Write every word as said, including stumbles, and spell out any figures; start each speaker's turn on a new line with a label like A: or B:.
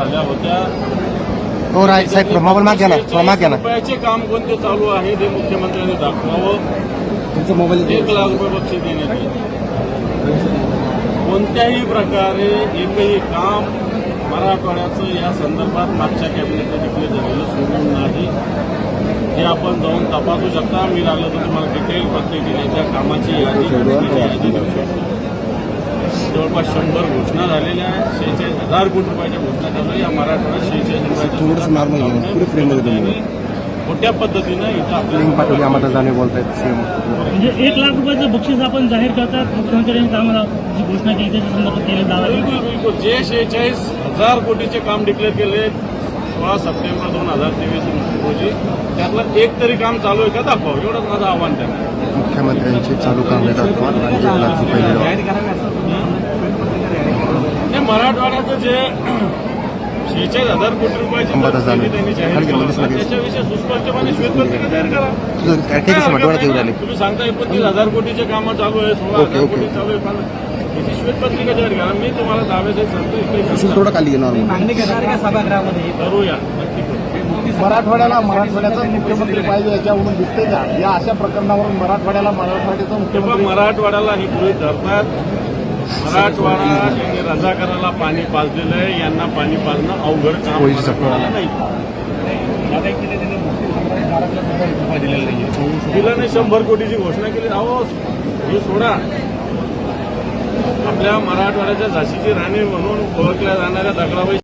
A: झाल्या होत्या.
B: हो राय साहेब मोबाईल माग घ्या ना, थोडा माग घ्या ना.
A: रुपयाचे काम कोणते चालू आहे ते मुख्यमंत्र्यांनी दाखवावं.
B: तुमचा मोबाईल
A: एक लाख रुपये बक्षीस देण्यात येईल. कोणत्याही प्रकारे एकही काम मराठवाड्याचं या संदर्भात मागच्या कॅबिनेटने डिक्लेअर झालेलं सोडून नाही. हे आपण जाऊन तपासू शकता. मी लागलं तर तुम्हाला डिटेल प्रत्येक जिल्ह्याच्या कामाची यादी यादी देऊ शकतो. जवळपास शंभर घोषणा झालेल्या आहेत. शेहेचाळीस हजार कोटी रुपयाच्या घोषणा चालू आहे. या मराठवाड्यात शेहेचाळीस रुपयाच्या मोठ्या पद्धतीनं इथं
B: लिंक पाठवली आम्हाला जाणे बोलतायत सीएम.
C: म्हणजे एक लाख रुपयाचं बक्षीस आपण जाहीर करतात. मुख्यमंत्र्यांनी आम्हाला जी घोषणा केली त्याच्या संदर्भात केले दावा.
A: बिलकुल बिलकुल जे शेहेचाळीस हजार कोटीचे काम डिक्लेअर केले सोळा सप्टेंबर दोन हजार तेवीस रोजी त्यातलं एक तरी काम चालू आहे का दाखवावं, एवढंच माझं आव्हान त्यांना.
B: मुख्यमंत्र्यांची चालू कामे दाखवा आणि एक लाख रुपये
A: नाही, मराठवाड्याचं जे शेहेचाळीस हजार कोटी रुपयाची त्यांनी जाहीर केलं त्याच्याविषयी सुस्पष्टपणे श्वेतपत्रिका तयार करा. तुम्ही सांगता एकोणतीस हजार कोटीचे कामं चालू आहे, सोळा हजार कोटी चालू आहे, त्याची श्वेतपत्रिका जाहीर करा. मी तुम्हाला दाव्याचे सांगतो
B: थोडं खाली घेणार
C: सभागृहामध्ये
A: करूया, नक्की करू.
D: मराठवाड्याला मराठवाड्याचा मुख्यमंत्री पाहिजे याच्यावरून दिसते का? या अशा प्रकरणावरून मराठवाड्याला मराठवाड्याचा मुख्यमंत्री
A: मराठवाड्याला हे गृहीत धरतात. मराठवाडा यांनी रजाकाराला पाणी पाजलेलं आहे. यांना पाणी पाजणं अवघड काम नाही. दिलं नाही. शंभर कोटीची घोषणा केली. अहो हे सोडा. आपल्या मराठवाड्याच्या झाशीची राणी म्हणून ओळखल्या जाणाऱ्या दगडाबाई